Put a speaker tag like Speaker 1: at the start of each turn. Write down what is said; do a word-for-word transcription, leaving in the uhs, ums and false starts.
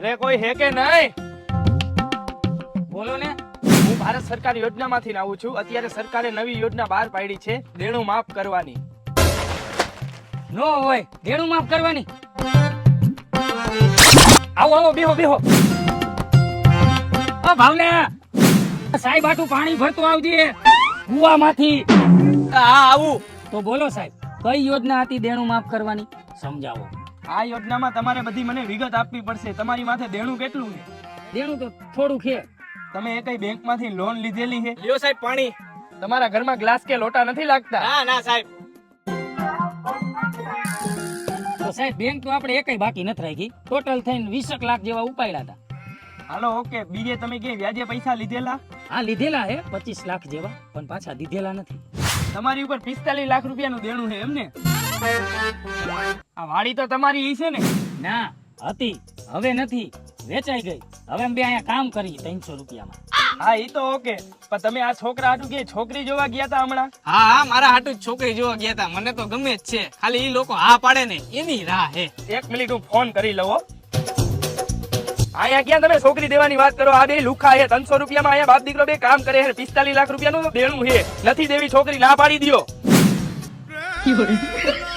Speaker 1: ઘરે કોઈ હે કે નહીં?
Speaker 2: બોલો ને.
Speaker 1: હું ભારત સરકાર યોજનામાંથી આવું છું. અત્યારે સરકારે નવી યોજના બહાર પાડી છે દેણું માફ કરવાની.
Speaker 2: નો હોય દેણું માફ કરવાની. આવો આવો બેહો બેહો. ઓ ભાવને સાહેબ આટલું પાણી ભરતું આવજે કુવામાંથી.
Speaker 1: હા આવું.
Speaker 2: તો બોલો સાહેબ કઈ યોજના હતી દેણું માફ કરવાની સમજાવો.
Speaker 1: આ યોજનામાં તમારે બધી મને વિગત આપવી પડશે. તમારી માથે દેણું કેટલું છે?
Speaker 2: દેણું તો થોડું છે.
Speaker 1: તમે એ કઈ બેંકમાંથી લોન લીધેલી છે? લ્યો સાહેબ પાણી. તમારા ઘરમાં ગ્લાસ કે લોટા નથી લાગતા? ના ના સાહેબ.
Speaker 2: તો સાહેબ બેંક તો આપણે એકય બાકી નથી રાખી. ટોટલ થઈને વીસેક લાખ જેવા ઉપાડ્યા હતા.
Speaker 1: હાલો ઓકે. બીજે તમે કે વ્યાજે પૈસા લીધેલા?
Speaker 2: હા લીધેલા હે પચીસ લાખ જેવા પણ પાછા દીધેલા નથી.
Speaker 1: તમારી ઉપર પિસ્તાલીસ લાખ રૂપિયાનું દેણું છે એમને? આ વાડી તો તમારી ઈ છે ને?
Speaker 2: ના હતી હવે નથી વેચાઈ ગઈ. હવે અમે બે અહીંયા કામ કરી ત્રણસો રૂપિયામાં.
Speaker 1: હા ઈ તો ઓકે. પણ તમે આ છોકરા હાટુ કે છોકરી જોવા ગયા હતા હમણાં?
Speaker 3: હા હા મારા હાટુ જ છોકરી જોવા ગયા હતા. મને તો ગમે જ છે, ખાલી ઈ લોકો હા પાડે ને એની રાહ હે.
Speaker 1: એક મિનિટ હું ફોન કરી લઉં હો. અહીંયા ક્યાં તમે છોકરી દેવાની વાત કરો? આ બે લુખા છે. ત્રણસો રૂપિયામાં અહીંયા બાપ દીકરો બે કામ કરે છે. પિસ્તાલીસ લાખ રૂપિયાનું દેણું છે. નથી દેવી છોકરી, ના પાડી દ્યો.